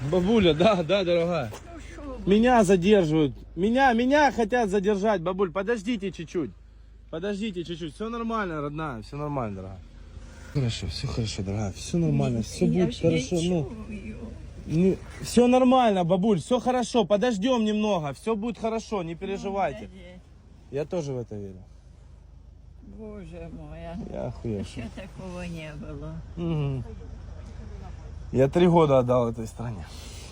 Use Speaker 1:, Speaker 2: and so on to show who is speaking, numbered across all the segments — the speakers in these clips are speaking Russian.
Speaker 1: Бабуля, да, дорогая. Меня задерживают. Меня хотят задержать, бабуль. Подождите чуть-чуть. Подождите чуть-чуть. Все нормально, родная. Все нормально, дорогая. Все хорошо, дорогая. Все нормально. Все будет хорошо. Все нормально, бабуль. Все хорошо. Подождем немного. Все будет хорошо. Не переживайте. Я тоже в это верю.
Speaker 2: Боже мой,
Speaker 1: Я охуел.
Speaker 2: еще такого не было.
Speaker 1: Угу. Я 3 года отдал этой стране.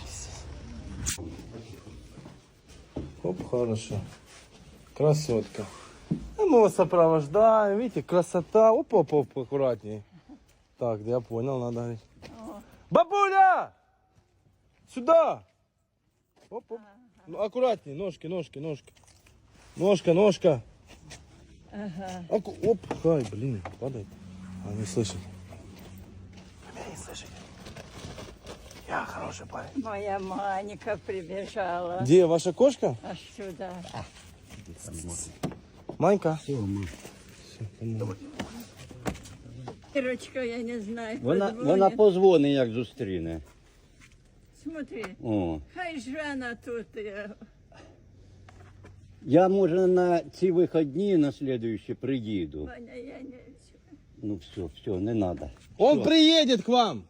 Speaker 1: Оп, хорошо. Красотка. А мы вас сопровождаем. Видите, красота. Оп, аккуратней. Так, да я понял, надо говорить. Бабуля! Сюда! Оп. Ну, аккуратней, ножки. Ножка.
Speaker 2: Ага.
Speaker 1: Оп, хай, блин, падает. А, не слышит. Не слышит. Я хороший парень.
Speaker 2: Моя Маника прибежала.
Speaker 1: Где ваша кошка?
Speaker 2: Аж сюда.
Speaker 1: Манька.
Speaker 2: Ірочка, я не знаю.
Speaker 3: Вона
Speaker 2: подзвонить.
Speaker 3: позвонить, як зустріне.
Speaker 2: Смотри,
Speaker 3: О.
Speaker 2: хай Жана тут.
Speaker 3: Я, може, на ці вихідні на слідуючі приїду.
Speaker 2: Ваня, я не...
Speaker 3: Ну все, не треба.
Speaker 1: Он приедет к вам.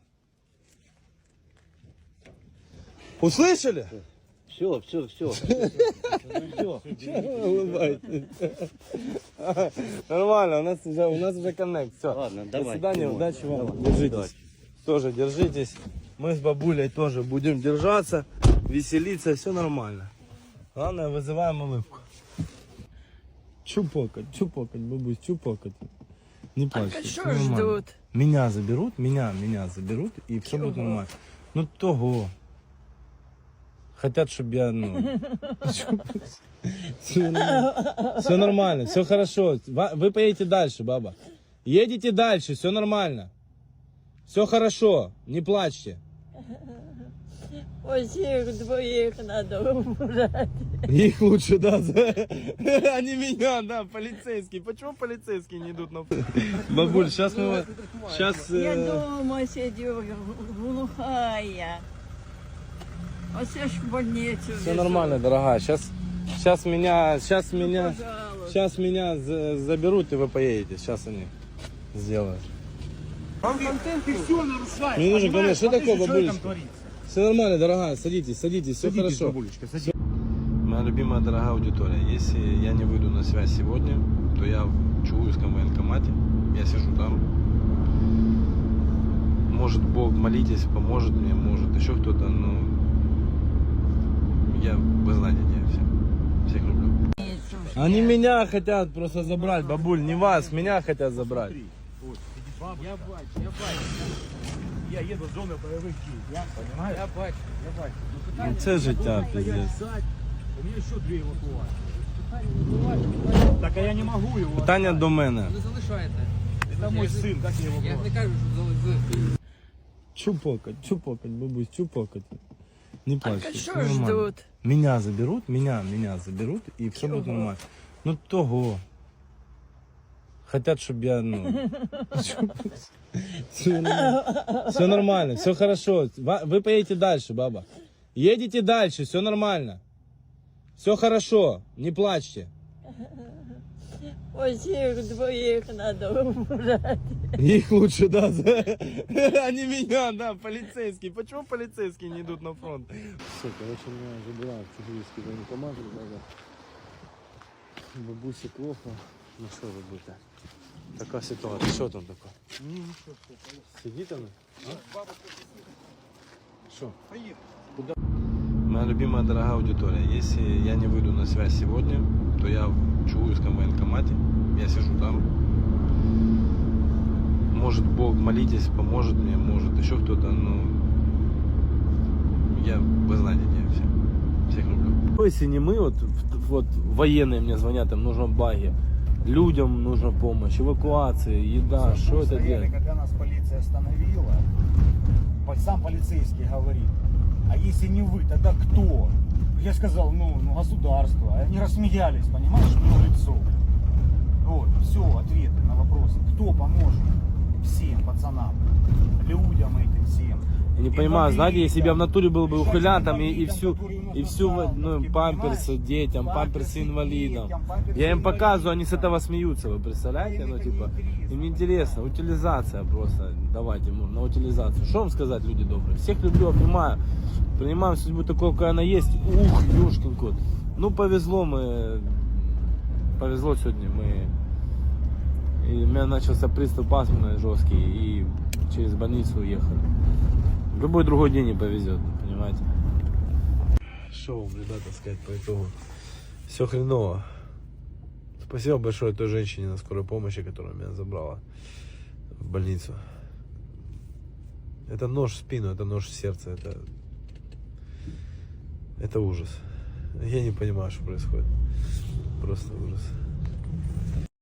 Speaker 1: Услышали?
Speaker 3: Все.
Speaker 1: Нормально, у нас уже коннект. Все.
Speaker 3: Ладно,
Speaker 1: До
Speaker 3: давай.
Speaker 1: свидания,
Speaker 3: Давай.
Speaker 1: удачи вам.
Speaker 3: Давай.
Speaker 1: Держитесь.
Speaker 3: Удачи.
Speaker 1: Тоже держитесь. Мы с бабулей тоже будем держаться, веселиться, все нормально. Главное, вызываем улыбку. Чупокать, бабусь, чупокать. Не плачьте.
Speaker 2: что
Speaker 1: всё нормально.
Speaker 2: ждут?
Speaker 1: Меня заберут, меня заберут, и все будет нормально. Ну того. Хотят, чтобы я, все нормально, все хорошо. Вы поедете дальше, баба. Едете дальше, все нормально. Все хорошо, не плачьте.
Speaker 2: Ось їх двоїх надо убрать.
Speaker 1: Их лучше, да, а не меня, да, полицейские. Почему полицейские не идут на фронт? Бабуль, сейчас мы... Сейчас...
Speaker 2: Я дома сидю, глухая. Оце ж в больницю.
Speaker 1: Все нормально, дорогая. Сейчас меня заберут, и вы поедете. Сейчас они сделают.
Speaker 4: Контент ты все нарушаешь.
Speaker 1: Мне нужен
Speaker 4: понимаешь?
Speaker 1: контент. Что
Speaker 4: Смотри,
Speaker 1: такое,
Speaker 4: с человеком
Speaker 1: бабулечка?
Speaker 4: творится.
Speaker 1: Все нормально, дорогая, садитесь, все хорошо.
Speaker 4: Бабулечка, садись.
Speaker 1: Моя любимая дорогая аудитория, если я не выйду на связь сегодня, то я в Чугуевском военкомате, я сижу там. Может Бог, молитесь, поможет мне, может еще кто-то, но вы знаете, где я всех люблю. Они меня хотят просто забрать, бабуль, не вас, меня хотят забрать.
Speaker 4: Я бачу. Я еду в зону бойових дій. Я понимаю? Я бачу.
Speaker 1: Ну це життя, пиздец.
Speaker 4: У меня еще 2 эвакуации. Так а я не могу его.
Speaker 1: Питання до мене.
Speaker 5: Не залишайте.
Speaker 4: Это мой сын, как я его
Speaker 5: Я
Speaker 4: брал?
Speaker 5: не кажу, що залишити.
Speaker 1: Чупокать, бабусь, чупокать. Не плачьте.
Speaker 2: що
Speaker 1: всё нормально.
Speaker 2: ждут?
Speaker 1: Меня заберут, и все будет нормально. Ну того. Хотят, чтобы я, все нормально, все хорошо. Вы поедете дальше, баба. Едете дальше, все нормально. Все хорошо, не плачьте.
Speaker 2: Ось їх двоїх надо убрать.
Speaker 1: Их лучше, да, а не меня, да, полицейские. Почему полицейские не идут на фронт? Все, короче, меня забирают в Чугуевский военкомат, бабусе плохо, ну что робити? Така ситуація, що там таке? Сидіть там? Что? Куда? Моя любимая дорогая аудитория, если я не выйду на связь сегодня, то я в Чугуевском военкомате, я сижу там. Может Бог, молитесь, поможет мне, может еще кто-то, но вы знаете, где я всех люблю. Если не мы, вот военные мне звонят, им нужно баги, людям нужна помощь, эвакуация, еда, что это делать?
Speaker 4: Когда нас полиция остановила, сам полицейский говорит, а если не вы, тогда кто? Я сказал, государство. Они рассмеялись, понимаешь, в лицо. Вот, все, ответы на вопросы. Кто поможет всем пацанам, людям этим всем?
Speaker 1: Я не понимаю, знаете, если бы я в натуре был бы ухилянтом и всю ну, памперсы детям, памперсы инвалидам. Я им показываю, они с этого смеются, вы представляете? Ну, типа, им интересно, утилизация просто, давайте на утилизацию. Что вам сказать, люди добрые? Всех люблю, обнимаю, принимаем судьбу такой, какая она есть. Ух, ёшкин кот. Ну, повезло сегодня, и у меня начался приступ астмы жесткий, и через больницу уехали. В любой другой день не повезет, понимаете? Что вам, ребята, сказать по итогу? Все хреново. Спасибо большое той женщине на скорой помощи, которая меня забрала в больницу. Это нож в спину, это нож в сердце, это ужас. Я не понимаю, что происходит. Просто ужас.